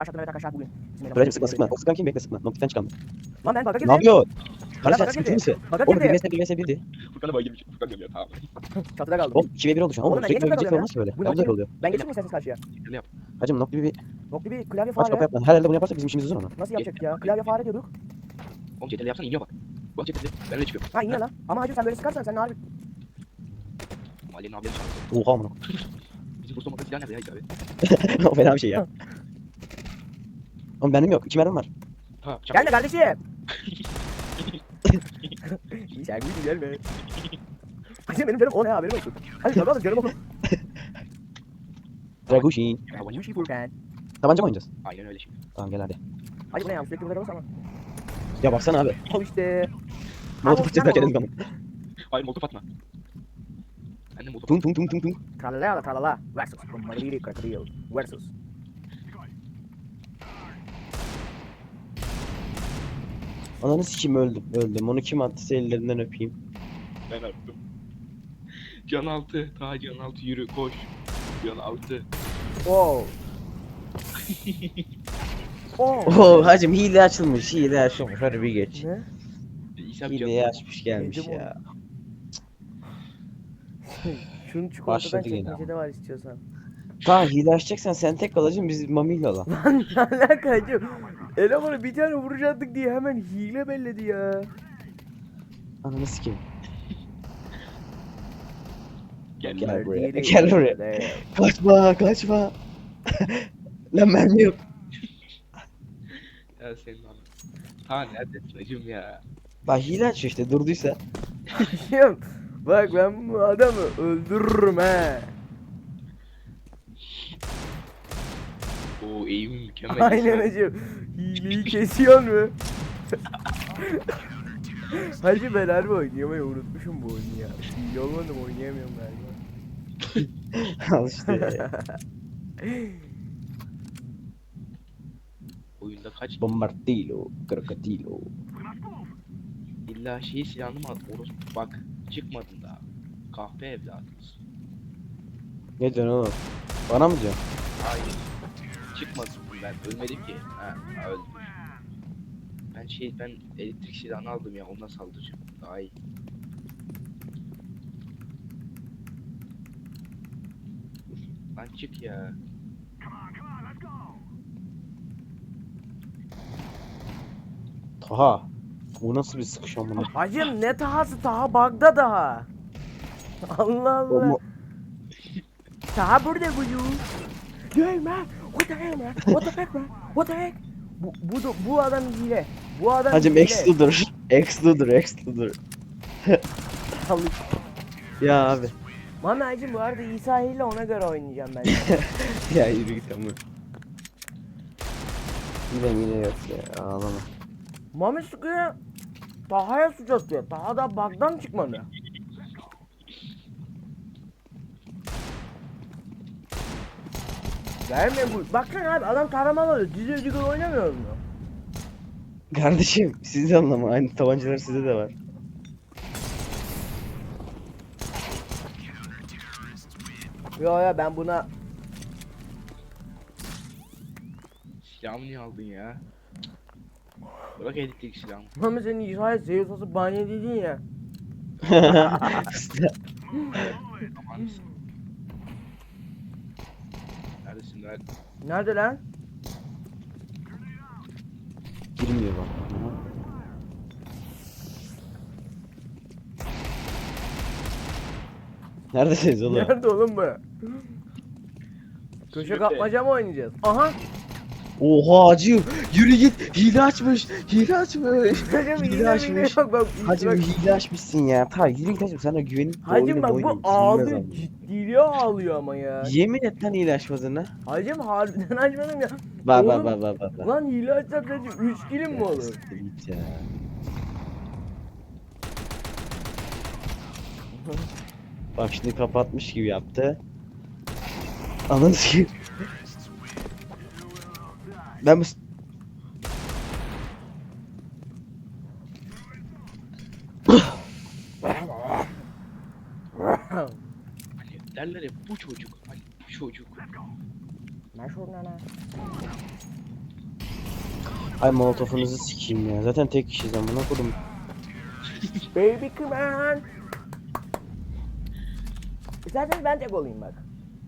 Aşağıdan evet arkadaşlar bugün. Buracım sıkma sıkma. O sıkan kim? Bekle sıkma. Noktadan çıkalım. Lan ben bug'a Ne girdim. yapıyor? Kardeş sen bug'a sıkıntı girdi. mısın? Bug'a Oğlum girdi. 1 vs 1'di. Furkan'a bak girmiş. Furkan diyorum ya tamam. Çatıda kaldım. Oğlum 2v1 oldu şu an. Oğlum Oğlum ben niye sürekli çatıda ölecek kalıyorum olmaz ya? böyle. Bu Ya bu da öyle oluyor. Ben geçeyim mi isterseniz karşıya? Ne yap? Hacım nokta bir Nokta bir klavye aç kapı fare. yapma. Her elde bunu yaparsak bizim işimiz uzun ama. Nasıl yapacaktık ya? Klavye fare diyorduk. Oğlum CTRL yapsana iniyor bak. Bak CTRL. Ben öyle çıkıyorum. Ha iniyor lan. Ama hacı sen böyle sıkarsan sen harbi. Ali'nin abilerini çağırdı. Oha amına. Bizim Bursa Mokka silah nerede ya hiç abi? O fena bir şey ya. Oğlum benim yok. 2 mermim var. Ha bıçak. Gelme kardeşim. Sen bir gelme. Hacı benim canım o ne haberim olsun. Hadi tabi alın canım oğlum. Dragushin. Yuşi Furkan. Tabanca mı oynayacağız? Aynen öyle şimdi. Tamam gel hadi. Hadi bu ne ya sürekli burada olursa ama. Ya baksana abi. Al işte. Molotof atacağız derken dedim ben. Hayır molotof atma. Ben de molotof Tung tung tung tung tung. Tralala tralala. Versus. Madrid Crocodile. Versus. Ananı sikeyim öldüm. Öldüm. Onu kim attıysa ellerinden öpeyim. ben attım. Can altı. Ta can altı yürü koş. Can altı. Wow. Oh. Oo hacım hile açılmış. Hile açılmış. Hadi bir geç. Ne? İsa Hileyi açmış gelmiş Yedim ya. Şunun çikolatadan Başladı yine çekmecede var istiyorsan. Tamam hile açacaksan sen tek kalacaksın biz mamiyle alalım. Lan ne alaka hacım? Elemanı bir tane vuracaktık diye hemen hile belledi ya. Ananı sikeyim. Gel. Gel buraya. Madrid Gel buraya. Crocodile. Kaçma kaçma. Lan mermi yok. Ya senin anın. Ta neredesin hacım ya? Bak hile açıyor işte durduysa. Hacım bak ben bu adamı öldürürüm he. Oo eğim mükemmel. Aynen hacım. Hileyi kesiyor mu? Hacı ben harbi oynayamayı unutmuşum bu oyunu ya. Hile olmadım oynayamıyorum galiba. Al işte. Oyunda kaç Bombardilo. Crocodilo. illa şeyi silahını mı at? Orospu bak çıkmadın daha. Kahpe evladınız. Ne diyorsun oğlum? Bana mı diyorsun? Hayır. Çıkmadım ben ölmedim ki. Ha öldüm. Ben elektrik silahını aldım ya ondan saldıracağım. Daha iyi. Lan çık ya. Taha. Bu nasıl bir sıkışan bunu? Hacım ne tahası taha bug'da daha. Allah Allah. Taha burada bu you. Hey man, what the hell man? What the heck man? What the heck? Bu adam hile. Bu adam Hacım hile. X dur. X dur. Ya abi. Mami hacım bu arada İsa hile ona göre oynayacağım ben. Ya yürü git ama. Yine yok ya ağlama. Mami sıkıyor. Taha'ya suç atıyor. Taha da bug'dan çıkmadı. Gelme bu. Baksana abi adam taramalı oluyor. Dizi ödügül oynamıyoruz mu? Kardeşim siz de anlama aynı tabancalar sizde de var. Yo ben buna Silahımı niye aldın ya? Bırak elektrik silahımı. Mami senin İsa'ya Zeus asıp banyo dedin ya. Aman. Neredesin lan? Nerede lan? Girmiyor bana. Neredesiniz oğlum? Nerede oğlum bu? Köşe Sürüte. kapmaca mı oynayacağız? Aha! Oha acı. Yürü git. Hile açmış. Hacım Hile hile açmış. yok bak. Hacım hile açmışsın ya. Ta yürü git hacım sana güvenim. Hacım bak bu ağlıyor. Ciddiliğe ağlıyor ama ya. Yemin et lan hile açmadığına. Hacım harbiden açmadım ya. Bak Oğlum, bak. Lan hile açsak hacım 3 kilim mi olur? Siktir git ya. Bak şimdi kapatmış gibi yaptı. Ananı sikeyim. Ben bu... Hani derler ya bu çocuk. Hani bu çocuk. Ben şuradan ha. Ay molotofunuzu sikeyim ya. Zaten tek kişiyiz amına kodum. Baby come on. İsterseniz ben tek olayım bak.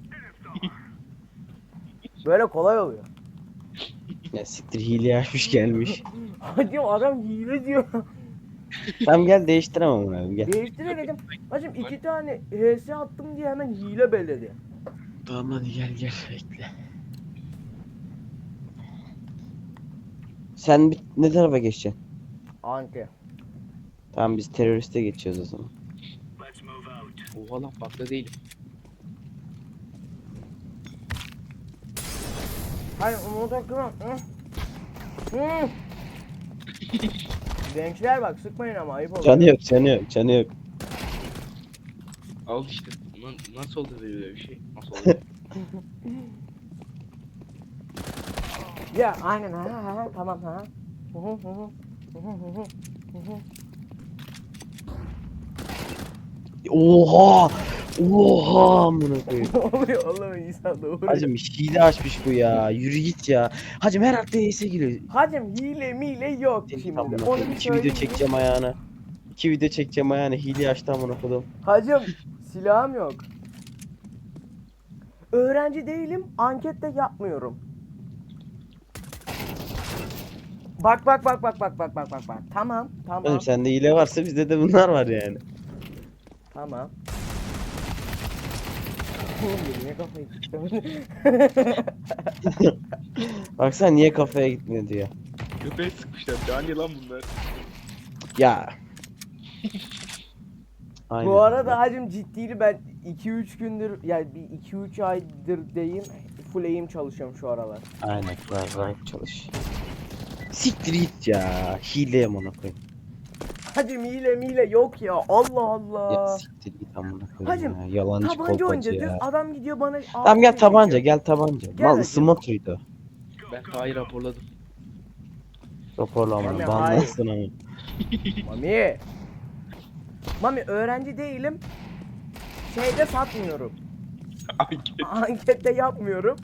Böyle kolay oluyor. Ya siktir hile açmış gelmiş. Hadi adam hile diyor. Tamam gel değiştiremem onu abi gel. Değiştiremedim. Hacım 2 tane HS attım diye hemen hile belledi. Tamam hadi gel bekle. Sen ne tarafa geçeceksin? Anti. Tamam biz teröriste geçiyoruz o zaman. Oha lan bakta değilim. Hayır onu takımım. Gençler bak sıkmayın ama ayıp oluyor. Canı yok. Al işte. Nasıl oldu böyle bir şey? Nasıl oldu? Ya aynen ha tamam ha. Hı hı hı hı. Hı hı hı hı. Oha amına koyayım. Ne oluyor oğlum İsa doğru. Hacım hile açmış bu ya. Yürü git ya. Hacım her hafta ES'e giriyor. Hacım hile mile yok Seni şimdi. amına Onu koyayım. bir 2 video söyleyeyim. çekeceğim ayağına. 2 video çekeceğim ayağına. Hile açtı amına koydum. Hacım silahım yok. Öğrenci değilim, ankette yapmıyorum. Bak. Tamam. Oğlum sende hile varsa bizde de bunlar var yani. Tamam. Oğlum niye kafayı tuttum? Baksana niye kafaya gitmiyor diyor. Köpeğe sıkmışlar. Cani lan bunlar. Ya. Aynen. Bu arada hacım ciddiydi ben 2-3 gündür yani bir 2-3 aydır diyeyim full aim çalışıyorum şu aralar. Aynen rahat çalış. Siktir git ya. Hile amına koyayım. Hacım hile mile yok ya Allah Allah. Ya siktir git amına koyayım Hacım, ya. Yalancı Tabanca kolpacı oynayacağız ya. diyoruz, adam gidiyor bana Tamam gel AFK tabanca çekiyor. gel tabanca. Gel Mal hacım. ısınma turuydu. Ben Tahir raporladım. Raporla Mami, amına. hayır. Banlansın ama. Mami öğrenci değilim. Şeyde satmıyorum. Anket. Ankette yapmıyorum.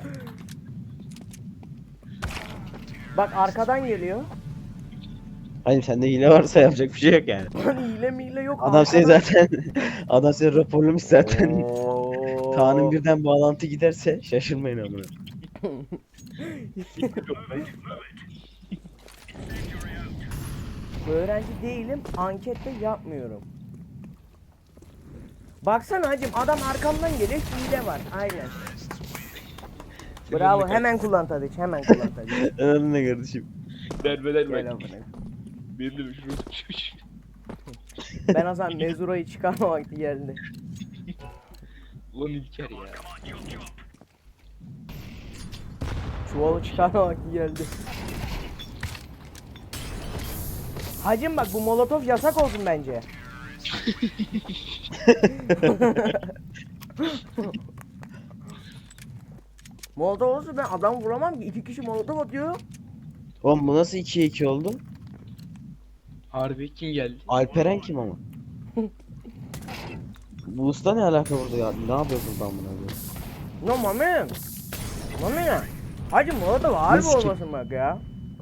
Bak arkadan geliyor. Hayır sende hile varsa yapacak bir şey yok yani. Lan hile mile yok. Adam seni arkadan- zaten adam seni raporlamış zaten. Oo. Kaan'ın birden bağlantı giderse şaşırmayın amına. Öğrenci değilim, ankette yapmıyorum. Baksana hacım adam arkamdan geliyor, hile var. Aynen. Bravo, hemen kullan Tadiç, hemen kullan Tadiç. Anladın ne kardeşim? Derbeler Gel ben. amına. Benim de bir şurada düşmüş. Ben o zaman mezurayı çıkarma vakti geldi. Ulan İlker ya. Çuvalı çıkarma vakti geldi. Hacım bak bu molotof yasak olsun bence. Molotof olursa ben adam vuramam ki. 2 kişi molotof atıyor. Oğlum bu nasıl 2'ye 2 oldu? Harbi kim geldi? Alperen kim ama? Bu usta ne alaka burada ya? Ne yapıyor burada amına koyayım? No mami. Mami ne? Hacım molotof harbi Nasıl ki? olmasın bak ya.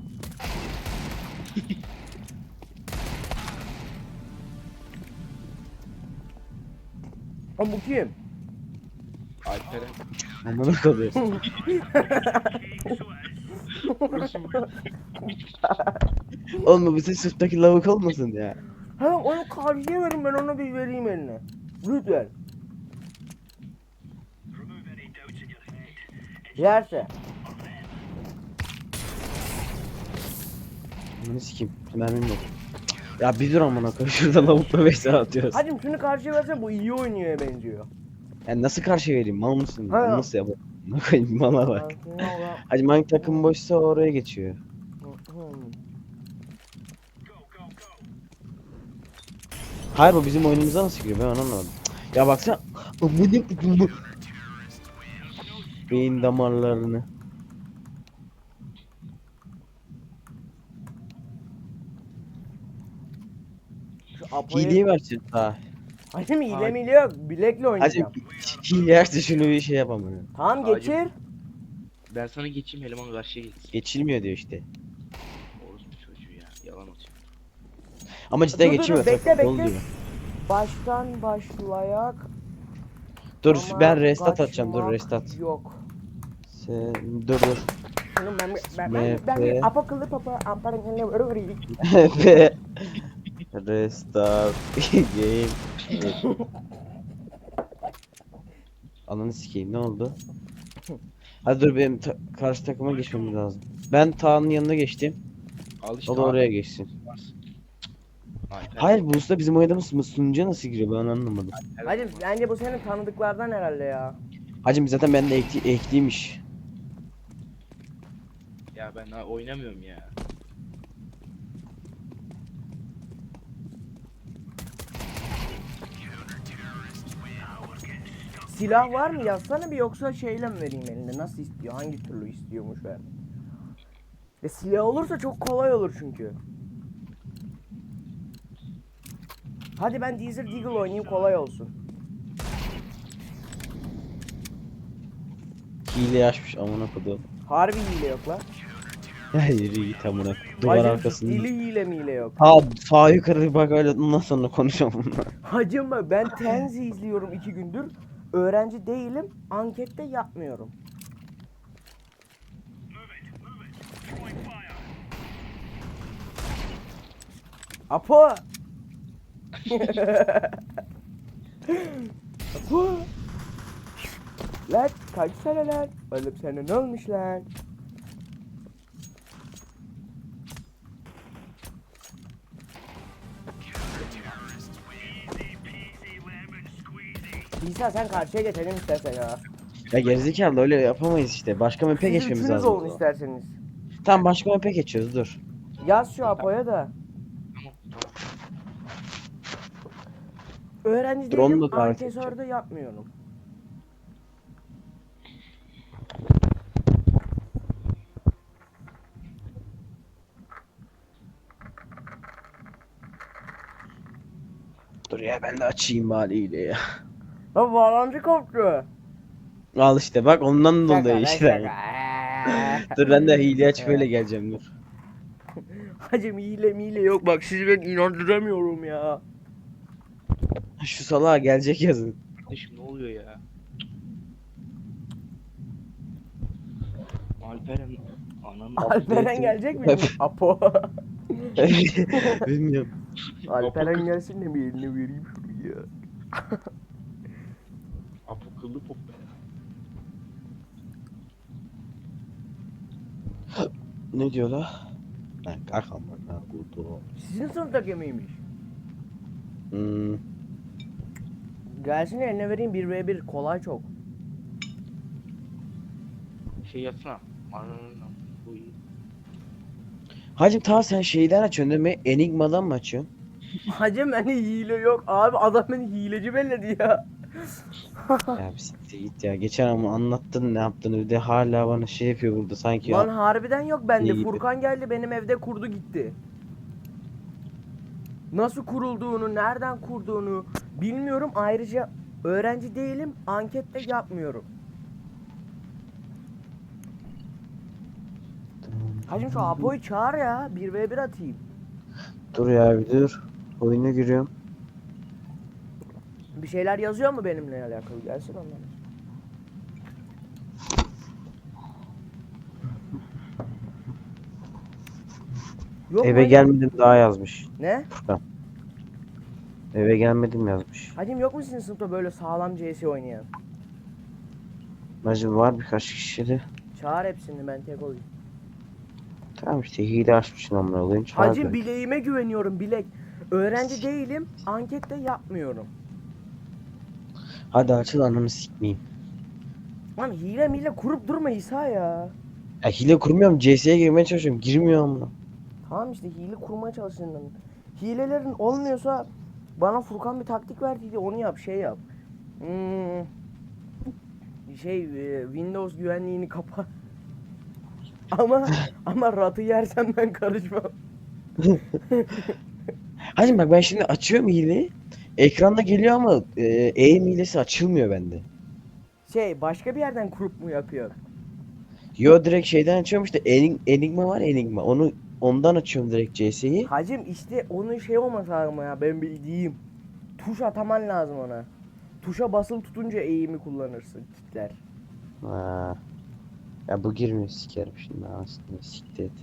O bu kim? Alperen. Amına koyayım. Burası mı? Oğlum bu bizim sırttaki lavuk olmasın ya. Hemen onu karşıya verin ben onu bir vereyim eline. Lütfen. Yerse. Bunu sikeyim. Mermim yok. Ya bir dur amına koyayım. Şurada lavukla 5 saat atıyoruz. Hacım şunu karşıya verse bu iyi oynuyor benziyor. Yani nasıl karşı vereyim? Mal mısın? Ha. Nasıl yapayım? Ne koyayım mala bak. Hacı hangi takım boşsa oraya geçiyor. Hayır bu bizim oyunumuza nasıl giriyor ben onu anlamadım. Ya baksana. Amına koyayım. Beyin damarlarını. Şu Apo'yu... Hileyi versin daha. Hacım hile mile yok. Bilekle Hacı oynayacağım. hile yerse şunu bir şey yapamıyorum. Tamam Hacım. geçir. Ben sana geçeyim, eleman karşıya geçsin. Geçilmiyor diyor işte. Orospu çocuğu ya. Yalan atıyor. Ama cidden Dur, dur, geçilmiyor. bekle, Sakın, dolu bekle. diyor. Baştan başlayak. Dur Ama ben restart atacağım. Dur kaçmak restart. Yok. Sen dur. Şunu ben MP. apa kılıp apa amparan öyle Ve restart game. Ananı sikeyim, ne oldu? Hadi dur, benim karşı takıma geçmemiz lazım. Ben Tağ'ın yanına geçtim. Al işte O da abi. oraya geçsin. Alper. Hayır, bu usta bizim oynadığımız sunucuya nasıl giriyor, ben anlamadım. Hacım bence bu senin tanıdıklardan herhalde ya. Hacım zaten bende ekliymiş. Ya ben oynamıyorum ya. Silah var mı yazsana bir, yoksa şeyle mi vereyim elinde, nasıl istiyor, hangi türlü istiyormuş ver. Silah olursa çok kolay olur çünkü. Hadi ben Desert Eagle oynayayım, kolay olsun. Hile açmış amına kodum. Harbi hile yok lan. Ya yürü git amına. Duvar Hacım arkasında. dili hile mi hile yok. Ha, sağ yukarı bir bak, öyle ondan sonra konuşalım bununla. Hacım ben Tenzi izliyorum 2 gündür. Öğrenci değilim, ankette yapmıyorum. Apo! Apo! Lan kaçsana lan. Oğlum sana ne olmuş lan? İsa sen karşıya geçelim istersen ya. Ya gerizekalı, öyle yapamayız işte. Başka map'e Siz geçmemiz üçünüz lazım. olun isterseniz. Tamam, başka map'e geçiyoruz, dur. Yaz şu Apo'ya da. Öğrenci Dur, onu değilim, da davet ankesörde yapmıyorum. Dur ya, ben de açayım bari ya. Lan bağlantı koptu. Al işte bak, ondan Şaka dolayı lan işte. şaka. Dur ben de hile açıp öyle geleceğim, dur. Hacım hile mile yok, bak sizi ben inandıramıyorum ya. Şu salağa gelecek yazın. Kardeşim ne oluyor ya? Alperen ananı Alperen gelecek mi? Apo. Bilmiyorum. Alperen gelsin de bir elini vereyim şuraya. Apo kıllı pop be. Ne diyor la? Lan kalk amına koyduğum. Sizin sınıftaki miymiş? Hmm. Gelsin eline vereyim, 1v1 kolay çok. Şey yapsana. Ananı bu iyi. Hacım tamam, sen şeyden açıyorsun değil mi? Enigma'dan mı açıyorsun? Hacım hani hile yok abi, adam beni hileci belledi ya. Ya bir siktir git ya. Geçen ama anlattın ne yaptığını, bir de hala bana şey yapıyor burada sanki Lan ya. harbiden yok bende. İyi gibi. Furkan geldi benim evde kurdu gitti. Nasıl kurulduğunu, nereden kurduğunu bilmiyorum. Ayrıca öğrenci değilim, ankette yapmıyorum. Hacım şu Apo'yu çağır ya, 1v1 atayım. Dur ya, bir dur. Oyuna giriyorum. Bir şeyler yazıyor mu benimle alakalı? Gelsin ondan. Yok Eve mu? gelmedim daha yazmış. Ne? Furkan. Eve gelmedim yazmış. Hacım yok mu sizin sınıfta böyle sağlam CS oynayan? Hacım var birkaç kişi de. Çağır hepsini, ben tek olayım. Tamam işte, hile açmışsın amına koyayım. Çağır Hacım direkt. bileğime güveniyorum, bilek. Öğrenci değilim, ankette yapmıyorum. Hadi açıl, ananı sikmeyeyim. Lan hile mile kurup durma İsa ya. Ya hile kurmuyorum, CS'ye girmeye çalışıyorum. Girmiyor amına. Tamam işte hile kurmaya çalışın. Hilelerin olmuyorsa bana Furkan bir taktik verdiydi, onu yap, şey yap. Windows güvenliğini kapa. ama ratı yersen ben karışmam. Hacım bak, ben şimdi açıyorum hileyi. Ekranda geliyor ama aim hilesi açılmıyor bende. Başka bir yerden kurup mu yapıyor? Yo direkt şeyden açıyorum işte Enigma var ya, Enigma. Ondan açıyorum direkt CS'yi. Hacım işte onun şey olması lazım ya, ben bildiğim. Tuş ataman lazım ona. Tuşa basılı tutunca eğimi kullanırsın, kitler. Ha. Ya bu girmiyor, sikerim şimdi aslında, siktir et.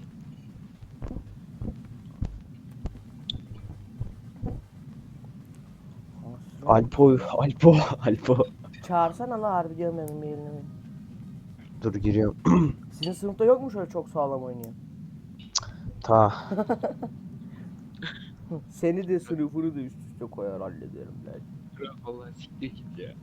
Alpo. Çağırsana la, harbi diyorum benim bir eline. Dur giriyorum. Sizin sınıfta yok mu şöyle çok sağlam oynayan? Ta. Seni de sınıfını da üst üste koyar hallederim ben. Vallahi siktir git ya.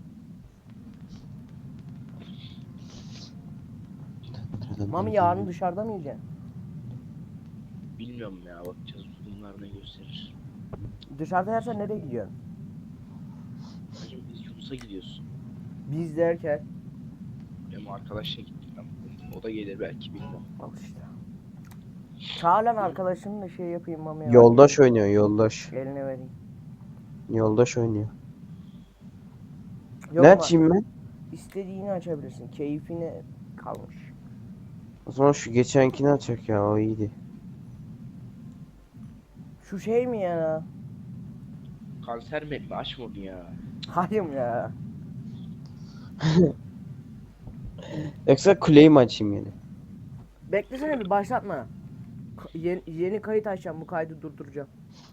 Mami yarın dışarıda mı yiyeceksin? Bilmiyorum ya, bakacağız bunlar ne gösterir. Dışarıda yersen nereye gidiyorsun? Hacım biz Yunus'a gidiyoruz. Biz derken. Benim arkadaşla gittim ben. O da gelir belki, bilmiyorum. Al işte. Çağır lan arkadaşını da şey yapayım Mami'ye. Yoldaş oynuyor, yoldaş. Eline vereyim. Yoldaş oynuyor. Yok Ne ama açayım ben? istediğini açabilirsin. Keyfine kalmış. O zaman şu geçenkini açacak ya, o iyiydi. Şu şey mi ya? Kanser mi? Açma onu ya. Hayır ya. Yoksa kuleyi mi açayım yine? Beklesene bir, başlatma. Yeni kayıt açacağım, bu kaydı durduracağım.